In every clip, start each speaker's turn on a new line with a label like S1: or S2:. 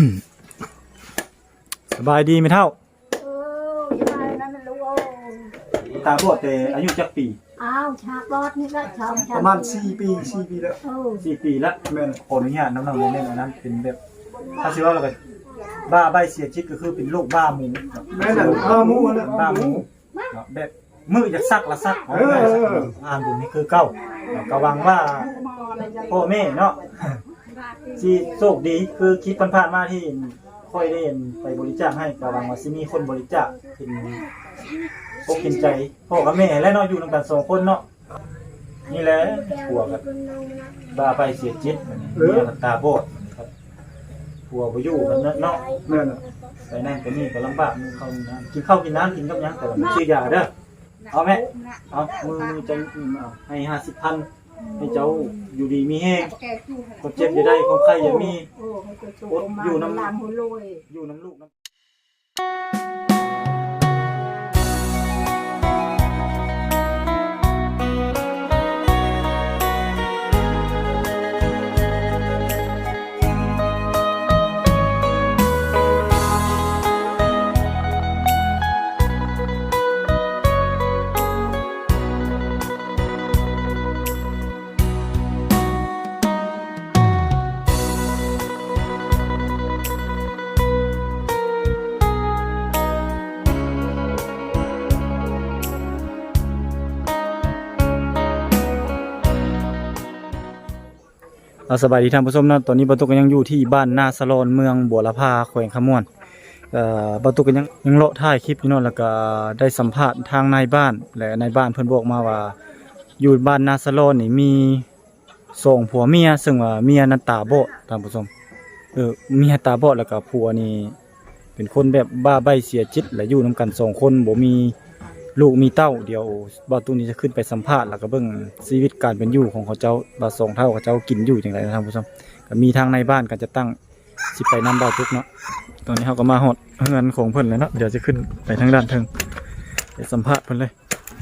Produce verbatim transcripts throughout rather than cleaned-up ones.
S1: สบายดีไหมเท่า
S2: เออสบายนั่นน่ะลูก
S1: ตาบอดแต่อายุจักปี
S2: อ้าวชาบอดนี่ก็ชอบ
S3: ประมาณสี่ปีสี่ปีแล้ว
S2: เออ
S1: สี่ปีแล้วแม่ขออนุญาตน้ำหนักแม่อันนั้นเป็นแบบถ้าชื่อว่าเราแบบบ้าใบเสียชีวิตก็คือเป็นโรคบ้าหมู
S3: แม่น่ะบ้าหมูนะ
S1: บ้าหมูแบบมือจะซักละซักอ่านบุญนี่คือเก้าก็หวังว่าพ่อแม่เนาะที่โชคดีคือคิดผ่านๆมาที่ค่อยได้ไปบริจาคให้ก็หวังว่าสิมีคนบริจาคเป็นปกกินใจพ่อกับแม่และเนาะอยู่นำกันสองคนเนาะนี่แหละผัวกับบ้าไปเสียจิตเมียกับตาบอดครับผัวบ่อยู่กันเนาะ
S3: แม่น่ะ
S1: ไปนั่นไปนี่ก็ลำบากมึงเข้าน้ำกินข้าวกินน้ำกินกับยังแต่ว่ามันชื่อยาเด้อเอาไหมเอามือมือใจเอาให้ห้าสิบพันให้เจ้าอยู่ดีมีแห้งคนเจ็บจะได้คนไข้อย่ามีอดอยู่น้ำอยู่น้ำลูกน้ำสบายดีท่านผู้ชมนะตอนนี้บรรทุกก็ยังอยู่ที่บ้านนาสะลอนเมืองบัวละพาแขวงขมวนเอ่อบรรทุกก็ยังยังเลาะถ่ายคลิปอยู่นั่นแล้วก็ได้สัมภาษณ์ทางนายบ้านและนายบ้านเพิ่นบอกมาว่าอยู่บ้านนาสะลอนนี่มีสองผัวเมียซึ่งว่าเมียนั้นตาบอดท่านผู้ชมเออเมียตาบอดแล้วก็ผัวนี่เป็นคนแบบบ้าใบ้เสียจิตและอยู่นํกันสองคนบ่มีลูกมีเต้าเดี๋ยวบ่าวตุ้นี้จะขึ้นไปสัมภาษณ์แล้วก็เบิ่งชีวิตการเป็นอยู่ของเขาเจ้าบ่าวสองเท่าเขาเจ้ากินอยู่จังได๋นะท่านผู้ชมก็มีทางในบ้านก็จะตั้งสิไปนำบ่าวทุกเนาะตอนนี้เฮาก็มาฮอดเฮือนของเพิ่นแล้วเนาะเดี๋ยวจะขึ้นไปทางด้านเทิงไปสัมภาษณ์เพิ่นเลย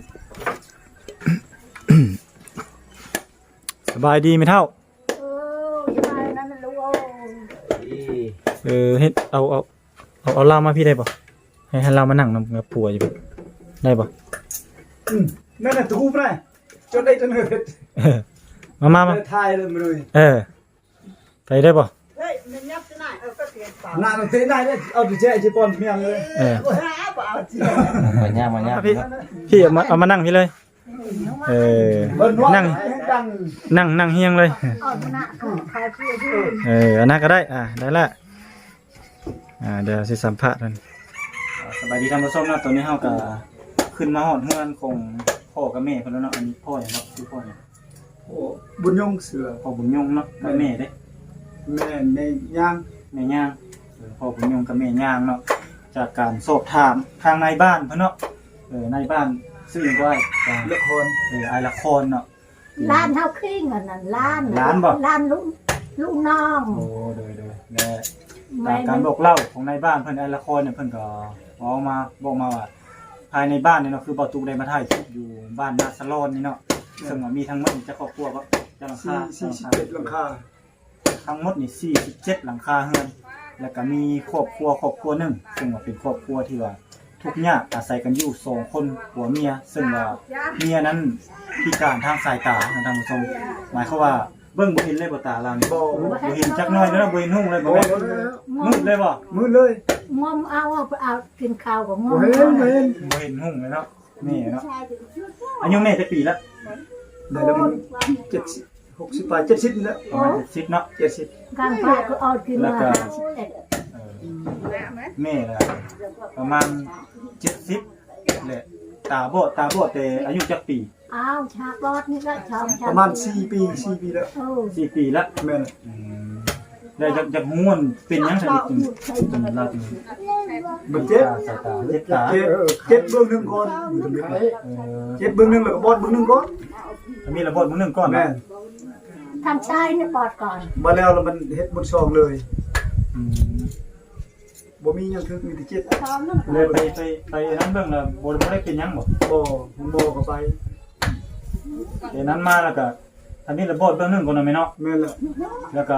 S1: สบายดีไหมเท่า
S2: เออสบายนั่นน่ะลูก
S1: เออเฮ็ดเอาเอาเอาเอาเหล้ามาพี่ได้ป่ะให้ให้เหล้ามานั่งนำกับผัวอยู่ได้ป่ะ
S3: อืมแม่น่ะทูบนะจนได้จนเฮ็ด
S1: เออมามามา
S3: ทายเลยมาเลย
S1: เออไปได้ป่ะ
S2: เฮ้ยมันยับจะไหนเออก็เสียงเปล่า
S3: หน้าต้องเตะได้เลยเอาดิเจจิปอนเมียงเลย
S1: เออ
S2: หาเปล่าจริง
S4: มาย่ามาย่า
S1: พี่พี่เอามาเอามานั่งพี่เลยเออ
S3: เบิ่นว่า
S1: นั่ง
S3: ดัง
S1: นั่งนั่งเฮียงเลย
S2: เอาหน้าก็ใครพูดชื่อ
S1: เอออันนั้นก็ได้อ่าได้ละอ่าเดี๋ยวสิสัมภาษณ์กันสบายดีท่านผู้ชมนะตอนนี้เฮาก็ขึ้นมาฮอดเฮือนของพ่อกับแม่เพิ่นแล้วเนาะอันนี้พ่อเนี่ยครับชื่อพ่อเนี่ย
S3: โอ้บุญยงเสือ
S1: พ่อบุญยงเนาะกับแม่เด้
S3: แม่ในย่าง
S1: แม่ย่างเออพ่อบุญยงกับแม่ย่างเนาะจากการสอบถามทางนายบ้านเพิ่นเนาะเออนายบ้านชื่อหยังก็ได้อ่า
S3: ละคร
S1: เออไอละครเนาะ
S2: ล้านเท่าครึ่งอันนั้นล้าน
S1: ล้านบ่
S2: ล้านลูกลูกน้อง
S1: โอ้โดยโดยและจากการบอกเล่าของนายบ้านเพิ่นไอละครเนี่ยเพิ่นก็เอามาบอกมาว่าภายในบ้านเนี่ยเนาะคือบ่ตูได้มาถ่ายคลิปอยู่บ้านนาสะลอนนี่เนาะซึ่งว่ามีทั้งหมดนี่จะครอบครัวบ่จะหลัง
S3: สี่
S1: คา
S3: สี่สิบเจ็ดหลังคา
S1: ทั้งหมดนี่สี่สิบเจ็ดหลังคาเรือนแล้วก็มีครอบครัวครอบครัวหนึงซึ่งว่าเป็นครอบครัวที่ว่าทุกข์ยากอาศัยกันอยู่สองคนผัวเมียซึ่งว่าเมียนั้นพิการทางสายตานะท่านผู้ชมหมายความว่าเบิ่งบ่เห็นเลยบ่ตาเรานี่บ่บ่เห็นจักหน่อยเด้อบ่เห็นหุ่งเลยบ่แม่นมืดเลยบ่
S3: มืดเลย
S2: งมเอาเอากินข้าวกับงม
S3: โอ้เห็นเห็น
S1: บ่เห็นหุ่งเลยเนาะนี่เนาะอายุแม่จักปีละ
S3: เดี๋ยวมันเจ็ดสิบหกสิบไปเจ็ดสิบนี่แหละ
S1: ประมาณเจ็ดสิบเนาะ
S3: เจ็ดสิบ
S2: การพาก็เอากินมาห้าสิบเอ็ด
S1: เออแม่ละประมาณเจ็ดสิบแหละตาบอดตาบอดแต่อายุจักปี
S2: อ้าวชาบอดนี่ก็ชอบช
S3: ประมาณสี่ปีสี่ปีแล้ว
S2: เออ
S1: สี่ปีละ
S3: แม่น
S1: อืมแล้วจากจากม้วนเป็นหยังไงจึงจึงเราจึง
S3: มันเจ็บ
S1: สายตาเจ็บตา
S3: เจ็บเจ็บเบื้องหนึ่งก่อนอยู่ตรงนี้
S1: เออ
S3: เจ็บเบื้องหนึ่งแล้วก็บอดเบื้องหนึ่งก่อน
S1: มีระบบมือหนึ่งก่อน
S3: แม่
S1: นะ
S3: น
S2: ทำชายเนี่ยปอดก่อน
S3: มาแล้วแล้วมันเฮ็ดบนซองเลย
S1: อืม
S3: บ่มีหยังคือมีแต่เจ็บ
S1: เลยไปไปไปนั้นเบิ่งแล้วบ่บ่ได้เป็นหยังบ่
S3: บ่มันบ่เข้าไป
S1: เดี๋ยวนั้นมาแล้วก็อันนี้ระบบเบิ่งหนึงก่อนนะแม่เนาะ
S3: แม่นละ
S1: แล้วก็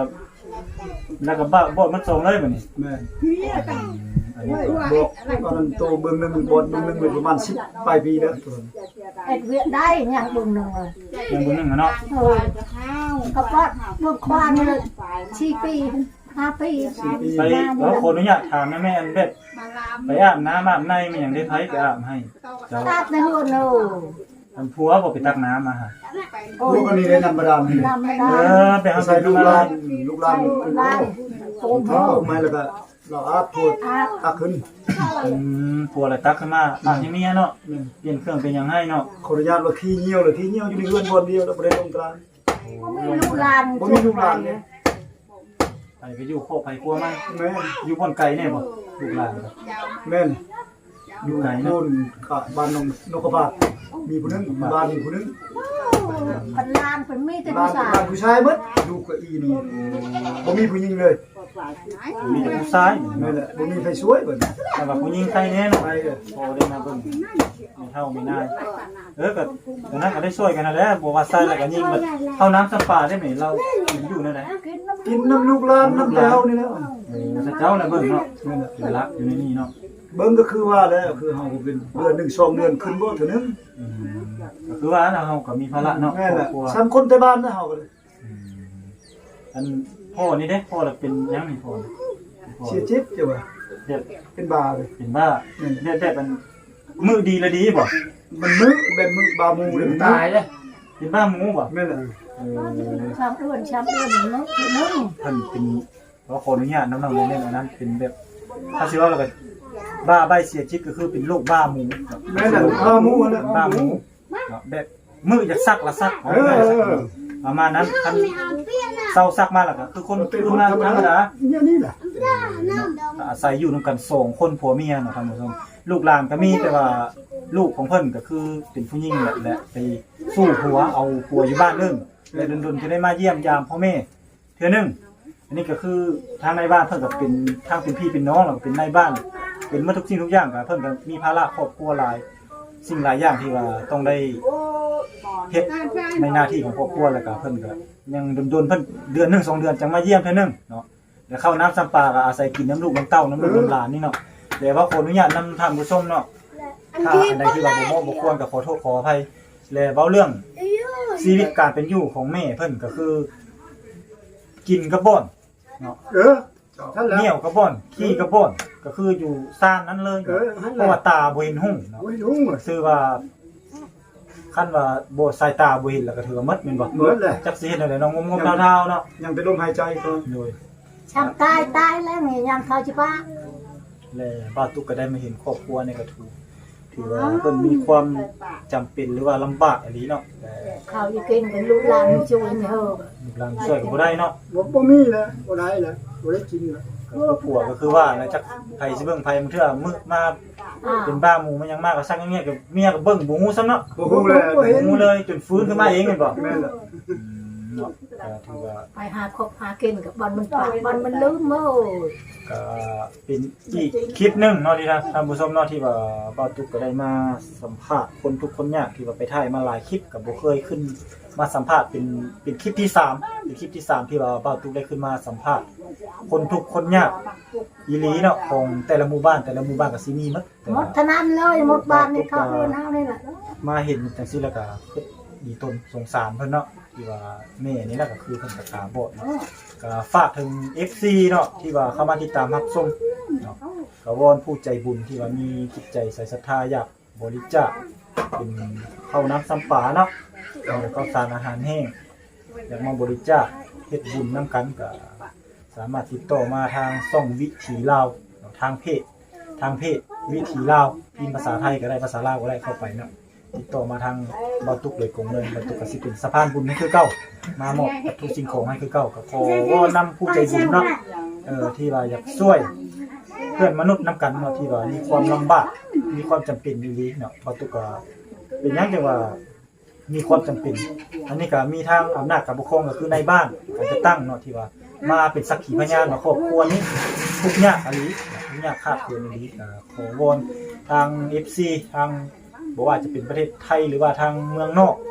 S1: แล้วก็บ้าบ่มันส่งเลยบัดนี้
S3: แม่
S1: อันนี้
S3: บอกตอนนั้นโตเบิ่งหนึงบอลเบิ่งหนึงเลยประมาณสิบปลายปีแล้วตัวนั้น
S2: เอ็ดเวียได้ยังบุญหนึ่งเลย
S1: ยังบ่นึงอะเนาะ
S2: เออก็ปอดเมื่อควานนี่เลยสี่ปีห้าปี
S1: ไปแล้วขออนุญาตถามนะแม่อันเบ็ดไปอาบน้ำอาบในมันหยังได้ไผไปอาบให้เจ้า
S2: ตัดในหัวโน
S1: อันผัวบ่ไปตักน้ำมาหา
S3: ลูกอันนี้ได้นำบาดาลนี่
S2: นำไม่ได้
S1: เออไปหา
S3: ใส่
S1: ใส่
S3: ลู
S1: ลู
S3: ก
S1: ก
S3: หลา
S1: ลาน น
S3: ลูกหลาน
S2: ได้โกม
S3: เขาออกมาแล้วก็เราอาบพูดอาบขึ้น
S1: อืมผัวละตักขึ้นมาอาบให้เมียเนาะเปลี่ยนเครื่องเป็นหยังให้เนาะ
S3: ขออนุญาตว่าขี้เหี่ยวเลยขี้เหี่ยวอยู่ในเรือนบนเดียวแล้วบ่ได้ลงกลาง
S2: ก็มีลูกหลาน
S3: บ่มีลูกหลานเลย
S1: ไปไปอยู่โคกไปครัวมัน
S3: แม่น
S1: อยู่บนไก่แน่บ่ลูกหลานครับ
S3: แม่น
S1: อยู่ไหน
S3: โน่
S1: เนาะ
S3: นกะบ้านนงนกกระบาดมีผู้หนึงบ้านมีผู้หนึง
S2: พันลานเป็นมีแต่
S3: บ้า
S2: ผู้
S3: น
S2: ชาย
S3: บ้านผู้ชายหมดลูกก็อีนี่บ่มีผู้หญิงเลย
S1: มีแต่ผู้ชาย
S3: นั่นแหละบ่มีใครช่วยเบิด
S1: แต่ว่าผู้หญิงใครแน่เนาะ
S3: ไปเด้อ
S1: พอได้มาเบิ่งไม่เท่าไม่นายเออก็ตอนนั้นก็ได้ช่วยกันนั่นแหละบ่ว่าใส่แล้วก็ยิงมันเข้าน้ำสปาได้ไหมเราอยู่นั่นแหละ
S3: กินน้ำลูกหลานน้ำแต้วนี่แหล้ว
S1: เออถ้าเจ้าน่ะเบิ่งเนาะ
S3: นั่นแหละ
S1: เป็นรักอยู่ในนี่เนาะ
S3: เบิ่งก็คือว่าแล้วคือเฮาเป็นเดือนหนึ่งสองเดือนขึ้นบ่เท่านึง
S1: อืมก็คือว่าเราก็มีภาระเนาะ
S3: แม่นแหละ
S1: ครอบครัว
S3: สามคนแต่บ้านนะเฮาก็เลย
S1: อืมอันพ่อนี่เด้พ่อเราเป็นยังนี่พ่อพ่อ
S3: เสียจิตจ้ะว่า
S1: เด็ด
S3: เป็นบาเลย
S1: เป็นบ้าเด็ดเด็ดมันมือดีละดีบ่
S3: มันมึกแบบมึกบามูเลยมัน
S1: ตายเด้เป็นบ้าหมูบ่
S3: แม่นแหละ
S1: เออ
S2: ชามอ้วนชามอ้วนเนาะคือนึง
S1: ท่านเป็นขอขออนุญาตน้องๆเล่นๆอันนั้นเป็นแบบถ้าสิว่าเราก็บ้าใบเสียชีวิตก็คือเป็นโรคบ้าหมู
S3: แม่นแหละบามูนั่นแหละ
S1: บ้าหมูเนาะแบบมืออยากซักละซัก
S3: เออเออ
S1: ประมาณนั้นคันเศร้าซักมาแล้วก็คือคน
S3: เป็น
S1: คื
S3: ค
S1: อน มา
S3: ธรรม
S1: ธรรม
S3: ดา
S1: ดา
S3: เนี่ยนี่แหละ
S1: อาศัยอยู่นำกันสองคนผัวเมียเนาะท่านผู้ชมลูกหลานก็มีแต่ว่าลูกของเพิ่นก็คือเป็นผู้หญิงแหละและไปสู้ผัวเอาผัวอยู่บ้านนึงและดนๆจะได้มาเยี่ยมยามพ่อแม่เทื่อนึงอันนี้ก็คือทางในบ้านเพิ่นก็เป็นทางเป็นพี่เป็นน้องแล้วก็เป็นในบ้าน เป็นหมาทุกสิ่งทุกอย่างก็เพิ่นก็มีภาระครอบครัวหลายสิ่งหลายอย่างที่ว่าต้องได้เฮ็ดในหน้าที่ของครอบครัวแล้วก็เพิ่นก็ยังดนๆเพิ่นเดือนหนึงสองเดือนจังมาเยี่ยมเทื่อนึงเนาะแล้วเข้าน้ำซ้ำปลาก็อาศัยกินน้ำลูกน้ำเต้าน้ำลูกน้ำหลานนี่เนาะแต่ว่าขออนุญาตนำท่านผู้ชมเนาะถ้าอันใดที่ว่าบ่เหมาะบ่ควรก็ขอโทษขออภัยและเว้าเรื่องชีวิตการเป็นอยู่ของแม่เพิ่นก็คือ กินกระบ่อนเนาะ
S3: เออท่านแล้ว
S1: เหนี่ยวกระบ่อนขี้กระบ่อนก็คืออยู่ซ่านนั้นเลย
S3: เออนั่นแหละ
S1: เพราะว่าตาบ่เห็นหุ่งเนาะ
S3: โอ้ยลุง
S1: ซื่อว่าคันว่าบ่สายตาบ่เห็นแล้วก็ถือว่าหมดแม่นบ่
S3: หมดเลย
S1: จักสิเฮ็ดได้เนาะงมๆดาวๆเนาะ
S3: ยังเป็นลมหายใจก็
S1: โดย
S2: ชามตายตายแล้วนี่ยังเขาจะป้า
S1: และป้าตุ๊กก็ได้มาเห็นครอบครัวในกระทูถือว่าเพิ่นมีความจำเป็นหรือว่าลำบากอีหลีเนาะแต่
S2: เขาอยู่กินเป็นลูกหลานช่วยไม่เฮอ
S1: ลูกหลานช่วยก็บ่ได้เนาะ
S3: บ่บ่มีแล้วบ่ได้แล้วบ่ได้กินแล้ว
S1: ก็คือผัวก็คือว่าแล้วจักไผสิเบิ่งไผมันเทื่อมึกมา
S2: อ่า
S1: เป็นบ้าหมูมันยังมากก็ซักอย่างเงี้ยกับเมียก็เบิ่งบ่ฮู้ซ้ำเนาะ
S3: บ่ฮู้แล้ว
S1: บ่ฮู้เลยจนฟื้นขึ้นมาเองแม่นบ่
S3: แม่นแหละ
S1: อืมเนาะก็ถือว่า
S2: ไปหาคบหากินกับบอลมันปากบอลมันลืมโม่
S1: ก็เป็นอีกคลิปหนึงเนาะที่ท่านผู้ชมเนาะที่ว่าป้าตุ๊กก็ได้มาสัมภาษณ์คนทุกคนยากที่ว่าไปถ่ายมาหลายคลิปก็บ่เคยขึ้นมาสัมภาษณ์เป็นเป็นคลิปที่สามเป็นคลิปที่สามที่ว่าป้าตุ๊กได้ขึ้นมาสัมภาษณ์คนทุกคนยากอีหลีเนาะของแต่ละหมู่บ้านแต่ละหมู่บ้านก็สิมีหมดแต่
S2: หม
S1: ว่า
S2: ดเท่านั้นเลยหมดบ้านนี่เขาเดินเอานี่แหละ
S1: มาเห็นจังซี่แล้วก็เฮ็ดดีตนสงสารเพิ่นเนาะที่ว่าแม่นี่แหละก็คือเพิ่นก็ตาบอดเนาะก็ฝากถึง เอฟ ซี เนาะที่ว่าเข้ามาติดตามรับชมเนาะก็วอนผู้ใจบุญที่ว่ามีจิตใจใส่ศรัทธาอยากบริจาคเป็นข้าวน้ำซ้ำปลาเนาะแล้วก็สารอาหารแห้งอยากมาบริจาคเฮ็ดบุญนํกันก็สามารถติดต่อมาทางช่องวิถีลาวเนาะทางเพจทางเพจวิถีลาวพิมพ์ภาษาไทยก็ได้ภาษาลาวก็ได้เข้าไปเนาะติดต่อมาทางบาตุกเลยกงเงินบาตุกก็สิเป็นสะพานบุญให้คือเก่ามามอบวัตถุสิ่งของให้คือเก่าก็ขอวอนำผู้ใจบุญเนาะเออที่ว่าอยากช่วยเพื่อนมนุษย์นํกันเนาะที่ว่ามีความลำบากมีความจำเป็นอยู่ดีเนาะบาตุกก็เป็นหยังจังว่ามีความจำเป็น อันนี้ก็มีทางอำนาจการปกครองก็คือในบ้านก็จะตั้งเนาะที่ว่ามาเป็นสักขีพยานว่าครอบครัวนี้ทุกข์ยากอะไรทุกข์ยากขาดเกินอะไรก็ขอวอนทาง เอฟ ซี ทางบ่ว่าจะเป็นประเทศไทยหรือว่าทางเมืองนอก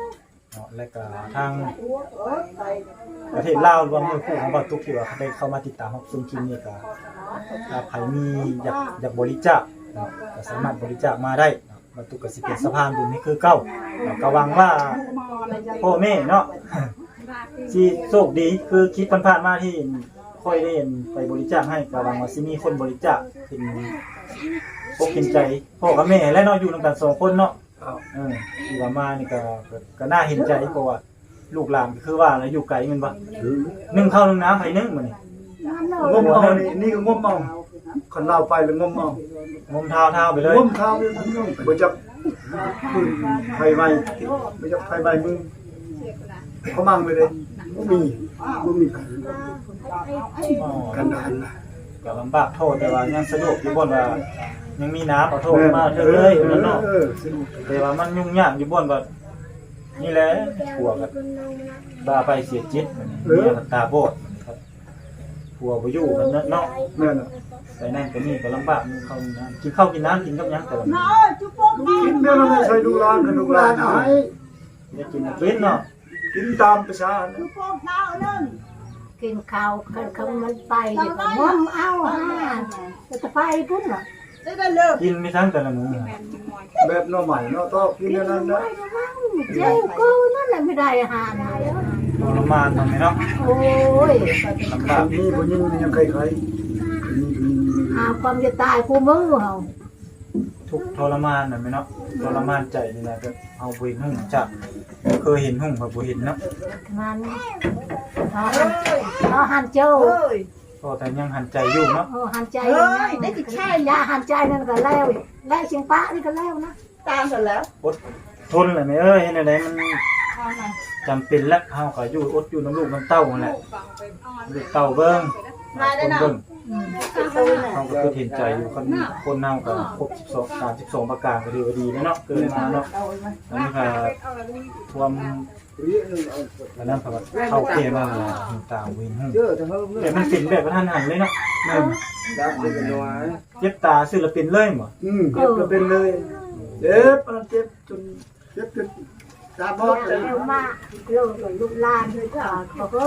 S1: เนาะและก็ทางประเทศลาวรวมมือคู่ของบ่ตุกที่ว่าได้เข้ามาติดตามรับชมคลิปนี้ก็ถ้าใครมีอยากอยากบริจาคเนาะก็สามารถบริจาคมาได้เนาะบ่ตุกก็สิเป็นสะพานบุญให้คือเก่าเนาะก็หวังว่าพ่อแม่เนาะ สิโชคดีคือคิดผ่านๆมาที่ค่อยได้ไปบริจาคให้ก็หวังว่าสิมีคนบริจาคเป็นปกเห็นใจพ่อกับแม่และเนาะอยู่นำกันสองคนเนาะ
S3: ครับ
S1: เออที่ว่ามานี่ก็ก็ก็น่าเห็นใจเพราะว่าลูกหลานก็คือว่าแล้วอยู่ไกลแม่นบ่นึ่งข้าวนึ่งน้ำให้นึ่งมื้อนี้
S3: งมเอานี่นี่ก็งมเอาคันเราไปแล้วงมเอา
S1: งมเท้าเท้าไปเลย
S3: งมข้าวนี่บ่จับปืนไฟไหม้บ่จับไฟไหม้มือเขามั่งเลยเด้บ่มีบ่มี
S1: อ๋อ
S3: กันดานนะ
S1: ก็ลำบากโทษแต่ว่ายังสะดวกอยู่บ่นว่ายังมีน้ำเอาโทษมาเถอะเลยนั่นเนาะ
S3: เออสนุก
S1: แต่ว่ามันยุ่งยากอยู่บ่นว่านี่แหละผัวก็บ้าไปเสียจิตมันเมียก็ตาบอดครับผัวบ่อยู่กันเนาะ
S3: แม่น่ะ
S1: ไปนั่นไปนี่ก็ลำบากมึงเข้าน้ำกินข้าวกินน้ำกินกับหยังแต่ว่า
S3: กินแม่มันใช้ลูกหลานกับลูกหลานหาย
S1: ได้กินกินเนาะ
S3: กินตามประชานะ
S2: กินข้าวกันเขามันไปเดี๋ยวก็ง้มเอาฮะจะไปพุ่นเหรอ
S1: กินไม่ทั้งแต่ละมื้อ
S3: แบบหน่อใหม่เนาะต้องกินอย่างนั้นนะ
S2: เจ้ากูนั่นแหละไม่ได้อาหารอะไรแล้ว
S1: ทรมานทำไมเนาะ
S2: โอ้ย
S1: ลำบาก
S3: มีผู้หญิงยังใครๆมีผู้หญิง
S2: หาความจะตายคู่มือเขา
S1: ทุกข์ทรมานน่ะแม่เนาะทรมานใจนี่นะก็เอาบ่เห็นหุ่งจักเคยเห็นหุ่งก็บ่เห็นเนาะ
S2: มันเขาเขาหันเจ้า
S1: ก็แต่ยังหันใจอยู่เนาะ
S2: เออหันใจยังไงได้ติดแช่ยาหันใจนั่นก็แล้วแล้วเชียงป้านี่ก็แล้วนะ
S4: ตามกันแล้ว
S1: อดทนแหละแม่เอ้ยเฮ็ดจังไดมันจำเป็นแล้วเฮาก็อยู่อดอยู่น้ำลูกน้ำเต้านั่นแหละลูกเต้าเบิ่งคนเบิ่ง
S2: อืม
S1: เฮาก็คือเห็นใจอยู่คนคนเฮาก็ครบสิบสอง สามสิบสองประการก็ถือว่าดีแล้วเนาะเกินมาเนาะอันนี้ก็ท่วมอันนั้นก็เข้าเกมมาแล้วตาวินหูแต่มันเป็นแบบกระทันหันเลยเนาะแม่น
S3: ดับเป็นน้อย
S1: เจ็บตาศิลปินเลยบ่
S3: อืมเจ็บก็เป็นเลยเจ็บมันเจ็บจนเจ็บจนตาบอดเลย
S2: เร็วมากเร็วกว่าลูกหลานเลยก็เขาก็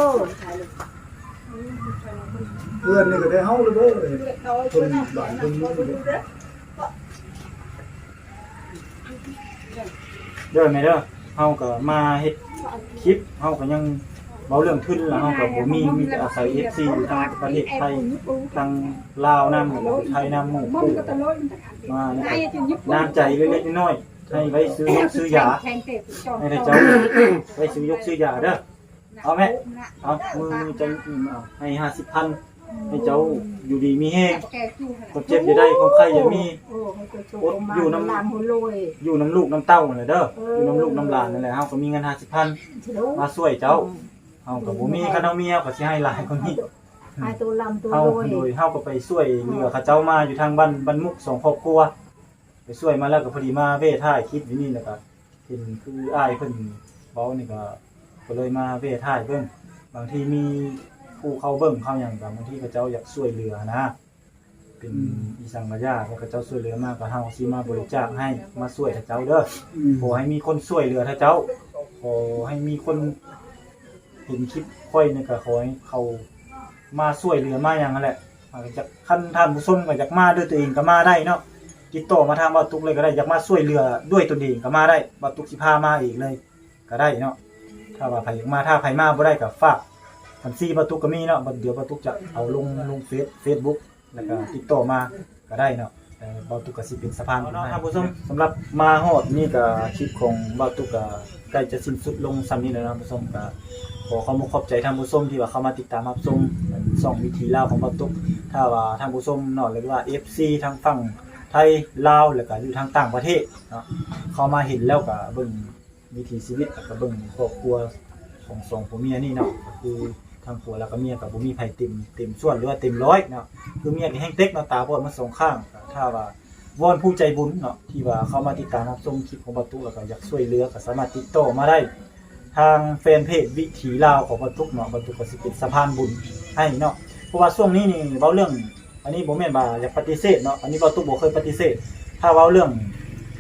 S3: เพื่อนนี่ก็ได้เฮาเลยเด้อคนหลายคนนี่
S1: เด้อแม่เด้อเฮาก็มาเฮ็ดคลิปเฮาก็ยังเว้าเรื่องทุนแล้วเฮาก็บ่มีมีแต่อาศัย เอฟ ซี อยู่ทางประเทศไทยทางลาวนำแล้วก็ไทยนำหมู่คู่มานี่ก็น้ำใจเล็กๆน้อยๆให้ไว้ซื้อยกซื้อยาให้ได้เจ้าไว้ซื้อยกซื้อยาเด้อเอาแม่เอามือจังเอาให้ห้าสิบพันให้เจ้าอยู่ดีมีแฮงคนเจ็บอย่าได้คนไข้อย่ามี
S2: โอ้ให้ตัวโตมาอยู่น้ำลานหัวลอย
S1: อยู่น้ำลูกน้ำเต้านั่นแหละเด้ออยู่น้ำลูกน้ำหลานนั่นแหละเฮาก็มีเงินห้าสิบพันมาช่วยเจ้าเฮาก็บ่มีคันเอาเมียก็สิให้หลายกว่านี้
S2: ให้ตัวลำตัว
S1: เฮา
S2: ลอย
S1: โดยเฮาก็ไปช่วยเหลือเขาเจ้ามาอยู่ทางบ้านบ้านมุกสองครอบครัวไปช่วยมาแล้วก็พอดีมาเว้ท่ายคลิปอยู่นี่แหละครับเห็นคืออ้ายเพิ่นเว้านี่ก็ก็เลยมาเว้ท่ายเบิ่งบางทีมีผู้เข้าเบิ่งเข้าหยังก็บางทีเขาเจ้าอยากช่วยเหลือนะเป็นอีสังกะยาเขาเจ้าช่วยเหลือมาก็เฮาสิมาบริจาคให้มาช่วยเขาเจ้าเด้อ ขอให้มีคนช่วยเหลือท่าเจ้า ขอให้มีคนเห็นคลิปค่อยนี่ก็ขอให้เขามาช่วยเหลือมาอย่างนั้นแหละอาจจะขั้นท่านผู้ชมก็อยากมาด้วยตัวเองก็มาได้เนาะติดต่อมาทางบ่าวตุกเลยก็ได้อยากมาช่วยเหลือด้วยตัวเองก็มาได้บ่าวตุกสิพามาอีกเลยก็ได้เนาะถ้าว่าใครอยากมาถ้าใครมาบ่ได้ก็ฝากบัญชีบ่าวตุกก็มีเนาะเดี๋ยวบ่าวตุกจะเอาลงลงเฟซ Facebook แล้วก็ติดต่อมาก็ได้เนาะ เบาตุกก็สิเป็นสะพานเนาะท่านผู้ชมสำหรับมาฮอดนี่ก็คลิปของเบาตุกก็ใกล้จะสิ้นสุดลงซ้ำนี้แล้วนะท่านผู้ชมก็ขอขอบคุณขอบใจท่านผู้ชมที่ว่าเข้ามาติดตามรับชมช่องวิถีลาวของเบาตุกถ้าว่าท่านผู้ชมเนาะหรือว่า เอฟ ซี ทางฝั่งไทยลาวแล้วก็อยู่ทางต่างประเทศเนาะเข้ามาเห็นแล้วก็เบิ่งวิถีชีวิตแล้วก็เบิ่งครอบครัวของสองผัวเมียนี่เนาะก็คือทางผัวแล้วก็เมียก็บ่มีไผเต็มเต็มส่วนหรือว่าเต็มร้อยเนาะคือเมียนี่แฮงเต็กเนาะตาบอดมาสองข้างถ้าว่าวอนผู้ใจบุญเนาะที่ว่าเข้ามาติดตามรับชมคลิปของบรรทุกแล้วก็อยากช่วยเหลือก็สามารถติดต่อมาได้ทางแฟนเพจวิถีลาวของบรรทุกเนาะบรรทุกก็สิเป็นสะพานบุญให้เนาะเพราะว่าช่วงนี้นี่เว้าเรื่องอันนี้บ่แม่นว่าอยากปฏิเสธเนาะอันนี้บรรทุกบ่เคยปฏิเสธถ้าเว้าเรื่อง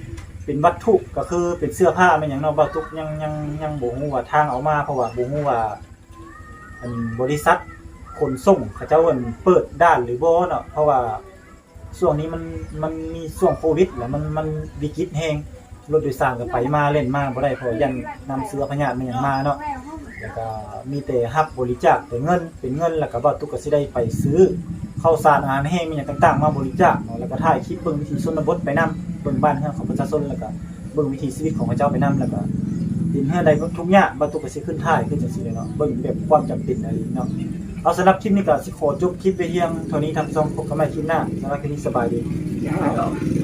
S1: เป็นวัตถุก็คือเป็นเสื้อผ้าแม่นหยังเนาะบ่ตุกยังยังยังบ่ฮู้ว่าทางเอามาเพราะว่าบ่ฮู้ว่าอันบริษัทขนส่งเขาเจ้าเอิ้นเปิดด้านหรือบ่เนาะเพราะว่าช่วงนี้มันมันมีช่วงโควิดแล้วมันมันวิกฤตแฮงรถโดยสารก็ไปมาเล่นมาบ่ได้เพราะยันนำเสื้อพญาติมันหยังมาเนาะแล้วก็มีแต่รับบริจาคแต่เงินเป็นเงินแล้วก็บ่ตุกก็สิได้ไปซื้อข้าวสารอาหารแห้งมีหยังต่างๆมาบริจาคเนาะแล้วก็ถ่ายคลิปเบิ่งวิถีชนบทไปนำเบิ่งบ้านเรือนของประชาชนแล้วก็เบิ่งวิถีชีวิตของเขาเจ้าไปนำแล้วก็ดินเฮือนใดทุกอย่างบ่ตุกก็สิขึ้นถ่ายขึ้นจังซี่เลยเนาะเบิ่งแบบความจำเป็นอะไรเนาะเอาสำหรับคลิปนี้ก็สิขอจบคลิปไปเพียงเท่านี้ทำส่งพบกันใหม่คลิปหน้าสำหรับคลิปนี้สบายดี